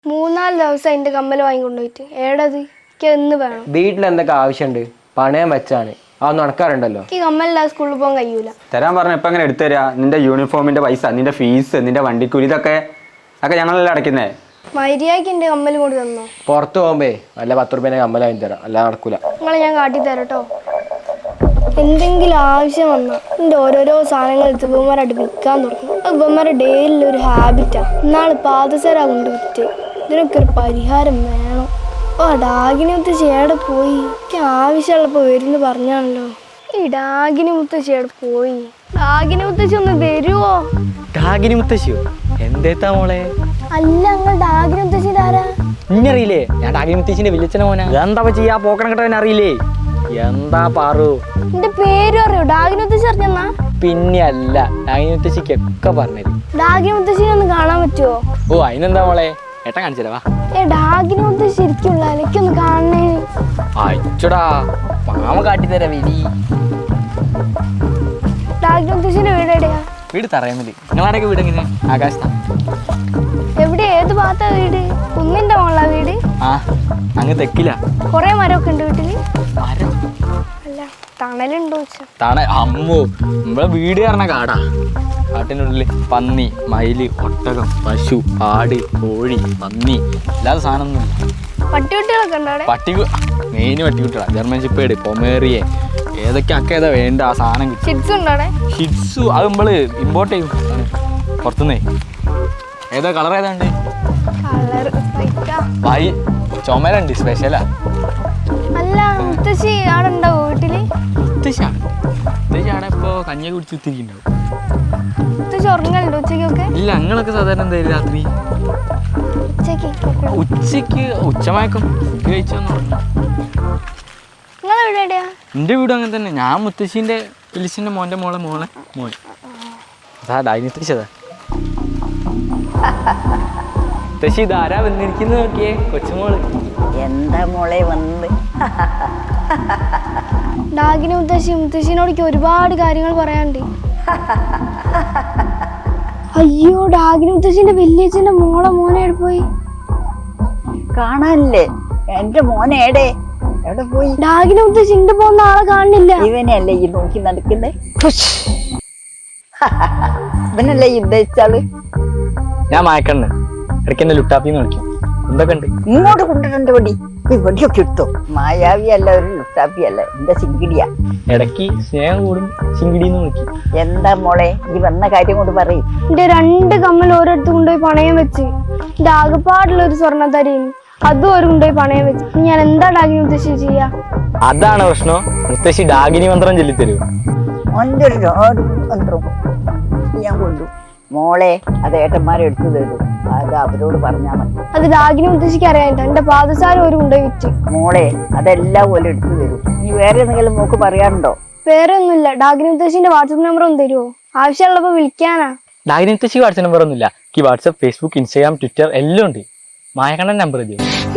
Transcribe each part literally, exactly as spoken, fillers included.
മൂന്നാല് ദിവസം അതിന്റെ കമ്മൽ വാങ്ങിക്കൊണ്ടുപോയിട്ട് ഏടത് എന്ന് വേണം. വീട്ടിൽ എന്തൊക്കെ ആവശ്യമുണ്ട്? പണയം വെച്ചാണ് അതൊന്നും നടക്കാറുണ്ടല്ലോ. ഈ കമ്മലില്ലാതെ സ്കൂളിൽ പോകാൻ കഴിയൂല. തരാൻ പറഞ്ഞ ഇപ്പൊ എങ്ങനെ എടുത്തു തരാ? നിന്റെ യൂണിഫോമിന്റെ പൈസ, നിന്റെ ഫീസ്, നിന്റെ വണ്ടിക്കൂലി, ഇതൊക്കെ ഒക്കെ ഞങ്ങളല്ലേ അടയ്ക്കുന്നേ. മര്യാദയ്ക്ക് എന്റെ കമ്മൽ കൊണ്ട് തന്നോ. പുറത്ത് പോകുമ്പേ വല്ല പത്ത് റുപ്യേനെ കമ്മൽ വാങ്ങി തരാം, അല്ലാതെ നടക്കൂല. നിങ്ങളെ ഞാൻ കാട്ടിത്തരട്ടോ. എന്തെങ്കിലും ആവശ്യം വന്നാൽ എൻ്റെ ഓരോരോ സാധനങ്ങൾ എടുത്ത് ഇവന്മാരായിട്ട് വിൽക്കാൻ തുടങ്ങും. അത് ഇവന്മാരുടെ ഡെയിലി ഒരു ഹാബിറ്റാണ്. ഇന്നാൾ പാദസര കൊണ്ട് വിറ്റ്. ഇതിനൊക്കെ ഒരു പരിഹാരം വേണം. ഓ ഡാഗിനി മുത്തശ്ശി എവിടെ പോയി? എനിക്ക് ആവശ്യമുള്ളപ്പോൾ വരുന്ന് പറഞ്ഞാണല്ലോ. ഈ ഡാഗിനി മുത്തശ്ശി എവിടെ പോയി? ഡാഗിനി മുത്തശ്ശി ഒന്ന് വരുവോ? ഡാഗിനി മുത്തശ്ശിയോ? എന്തേത്താ മോളെ? അല്ല നിങ്ങൾ ഡാഗിനി മുത്തശ്ശി ആരാ? ഇന്നറിയില്ലേ? ഞാൻ ഡാഗിനി മുത്തശ്ശിന്റെ വിളിച്ചന മോനാ. എന്താ ചെയ്യാ പോക്കണം കേട്ടവൻ അറിയില്ലേ? എന്താ പാറു? എന്റെ പേര് അറിയോ? ഡാഗിനി മുത്തശ്ശി അറിഞ്ഞെന്നാ? പിന്നെ അല്ല, ഡാഗിനി മുത്തശ്ശിക്ക് ഒക്കെ പറഞ്ഞത്. ഡാഗിനി മുത്തശ്ശിനെ ഒന്ന് കാണാൻ പറ്റുമോ? ഓ അതിനെന്താ മോളെ, ഏട്ടാ കാണിച്ചല്ലേ വാ. ഏ ഡാഗിനി മുത്തശ്ശി ശരിക്കുള്ള എനിക്കൊന്ന് കാണണേ. അയച്ചോടാ മാമ കാട്ടിത്തരാ വീടി. ഡാഗിനി മുത്തശ്ശിന്റെ വീട് എവിടെയാ? വീട് തറയുന്നില്ല. നിങ്ങളാരൊക്കെ വീട് എങ്ങനെ? ആകാശത്താണ്. എവിടെ? ഏത് ഭാഗത്താ വീട്? കുന്നിന്റെ മുകളിലാ വീട്? ആ അങ്ങ് തെക്കില്ല. കൊറേ മരമൊക്കെ ഉണ്ട് വീട്ടില്? മരം അല്ല തണലുണ്ടോ? തണ അമ്മോ, നമ്മളെ വീട് പറഞ്ഞ കാടാ. കാട്ടിനുള്ളിൽ പന്നി, മയില്, ഒട്ടകം, പശു, ആട്, കോഴി, പന്നി അല്ലാതെ സാധനമൊന്നുമില്ല. പട്ടിക്കുട്ടികളൊക്കെ ഉണ്ടോ അവിടെ? പട്ടി മെയിൻ പട്ടിക്കുട്ടികളാ. ജർമ്മൻ ഷിപ്പേഡ്, പൊമേറിയെ, ഏതൊക്കെ അക്ക ഏതാ വേണ്ട ആ സാധനം കിട്ടും. ഷിറ്റ്സ് ഉണ്ടോ അവിടെ? ഷിറ്റ്സു അത് നമ്മള് ഇമ്പോർട്ട് ചെയ്യും പുറത്തുനിന്നേ. ഏതാ കളർ ഏതാണ്ട്? വൈ ചുമരുണ്ട്, സ്പെഷ്യലാ. അല്ല മുത്തശ്ശി അവിടെ ഉണ്ടാവോ വീട്ടില്? മുത്തശ്ശി മുത്തശ്ശി അവിടെ ഇപ്പൊ കഞ്ഞിയൊക്കെ കുടിച്ച് കുത്തിരിക്കുന്നുണ്ടാവും. മുത്തശ്ശി ഉറങ്ങലുണ്ടോ ഉച്ചക്കൊക്കെ? ഇല്ല, ഞങ്ങളൊക്കെ സാധാരണ എന്തായാലും രാത്രി ഉച്ചക്ക് ഉച്ചക്ക് ഉച്ചമയക്കം കഴിച്ചോന്ന് പറഞ്ഞു. നിങ്ങളെ വീട് എവിടെയാ? എൻ്റെ വീടും അങ്ങനെ തന്നെ. ഞാൻ മുത്തശ്ശീൻ്റെ വിളിച്ചിൻ്റെ മോൻ്റെ മോളെ മോളെ മോൻ അതാ ഡാഗിനി മുത്തശ്ശി. അതാ മുത്തശ്ശി ഇതാരാ വന്നിരിക്കുന്നത് നോക്കിയേ, കൊച്ചുമോള്. എന്താ മോളെ വന്ന്? ഡാഗിനി മുത്തശ്ശി മുത്തശ്ശിനോടേക്ക് ഒരുപാട് കാര്യങ്ങൾ പറയാനുണ്ട്. അയ്യോ ഡാഗിനി മുത്തശ്ശിന്റെ വല്യച്ഛന്റെ മോളെ മോനെ എവിടെ പോയി? കാണാനില്ലേ? എന്റെ മോനേടെ എവിടെ പോയി? ഡാഗിനി മുത്തശ്ശി ഇണ്ട് പോകുന്ന ആളെ കാണുന്നില്ല. ഇവനല്ലേ ഈ നോക്കി നടക്കുന്നേ? ഇവനല്ലേ ഈ ഉദ്ദേശിച്ചാള്? ഞാൻ മായക്കണ്ണ്, ഇടയ്ക്ക് എന്നെ ലുട്ടാപ്പിന്ന് വിളിക്കും. എന്തൊക്കെ ഉണ്ട്? ഇങ്ങോട്ട് കൊണ്ടുവരണ്ട വടി. ഇവിടെയൊക്കെ ഇട്ടോ. മായാവി അല്ല, ഒരു ലുട്ടാപ്പി അല്ല, എന്റെ സിങ്കിടിയാ. ഇടയ്ക്ക് സ്നേഹം കൂടും ചിങ്കിടിന്ന് വിളിക്കും. എന്താ മോളെ ഈ വന്ന കാര്യം കൊണ്ട് പറയും. എന്റെ രണ്ട് കമ്മൽ ഓരോരുത്തർ കൊണ്ടുപോയി പണയം വെച്ച്. എന്റെ ആകെപ്പാടുള്ള ഒരു സ്വർണ്ണത്തരീന് അതും ഒരു കൊണ്ടുപോയി പണയം വെച്ച്. ഞാൻ എന്താ ഡാഗിനി മുത്തശ്ശി ചെയ്യാ? അതാണ് പ്രശ്നം. മുത്തശ്ശി ഡാഗിനി മന്ത്രം ചൊല്ലിത്തരൂ. ഓൻ്റെ ഒരു മന്ത്രം ഞാൻ കൊണ്ടു. മോളെ അത് ഏട്ടന്മാരെ എടുത്തു തരൂ. അത് അവരോട് പറഞ്ഞാൽ മതി. അത് ഡാഗിനി മുത്തശ്ശിക്ക് അറിയാനില്ല. എന്റെ പാദസാരം ഒരു കൊണ്ടുപോയി വിറ്റ്. മോളെ അതെല്ലാം പോലെ എടുത്തു തരൂ. നീ വേറെ എന്തെങ്കിലും മോക്ക് പറയാനുണ്ടോ? വേറെ ഒന്നുമില്ല. ഡാഗിനി മുത്തശ്ശിന്റെ വാട്സപ്പ് നമ്പർ ഒന്ന് തരുമോ? ആവശ്യമുള്ളപ്പോ വിളിക്കാനാ. ഡാഗിനി മുത്തശ്ശി വാട്സപ്പ് നമ്പർ ഒന്നുമില്ല. എനിക്ക് വാട്സപ്പ്, ഫേസ്ബുക്ക്, ഇൻസ്റ്റാഗ്രാം, ട്വിറ്റർ എല്ലാം ഉണ്ട്. മായക്കണ്ണൻ നമ്പർ മതിയോ?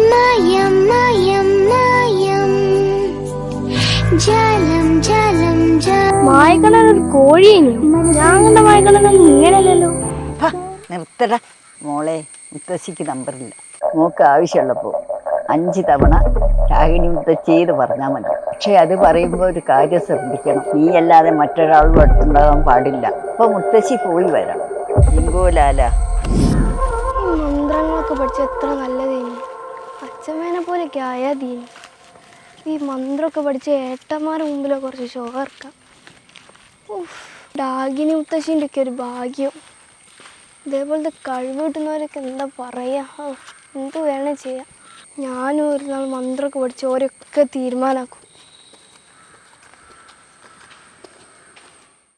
മായക്കണ്ണൻ ഒരു കോഴിയേനു. ഞാൻ കണ്ട മായക്കണ്ണനൊന്നും ഇങ്ങനെയല്ലല്ലോ. നിർത്തട മോളെ. മുത്തശ്ശിക്ക് നമ്പറില്ല. മോക്ക് ആവശ്യമുള്ളപ്പോ അഞ്ച് തവണ രാഗിണി മുത്തശ്ശിന്ന് പറഞ്ഞാൽ മതി. പക്ഷെ അത് പറയുമ്പോൾ ഒരു കാര്യം ശ്രദ്ധിക്കണം. നീ അല്ലാതെ മറ്റൊരാളും അടുത്തുണ്ടാകാൻ പാടില്ല. അപ്പൊ മുത്തശ്ശി പോയി വരാം. ഇങ്കോലാല ഈ മന്ത്രങ്ങളൊക്കെ പഠിച്ച എത്ര നല്ലതേനി. അച്ഛമ്മേനെ പോലെയൊക്കെ ആയാ തീനി. ഈ മന്ത്രമൊക്കെ പഠിച്ച ഏട്ടന്മാരുടെ മുമ്പിലോ കുറച്ച് ഷോ ഇറക്കാം. ഡാഗിനി മുത്തശ്ശീൻ്റെ ഒക്കെ ഒരു ഭാഗ്യം. ഇതേപോലത്തെ കഴിവ് കിട്ടുന്നവരൊക്കെ എന്താ പറയുക, എന്ത് വേണേൽ ചെയ്യാം. ഞാനും ഒരു നാൾ മന്ത്രമൊക്കെ പഠിച്ച് ഓരൊക്കെ തീരുമാനമാക്കും.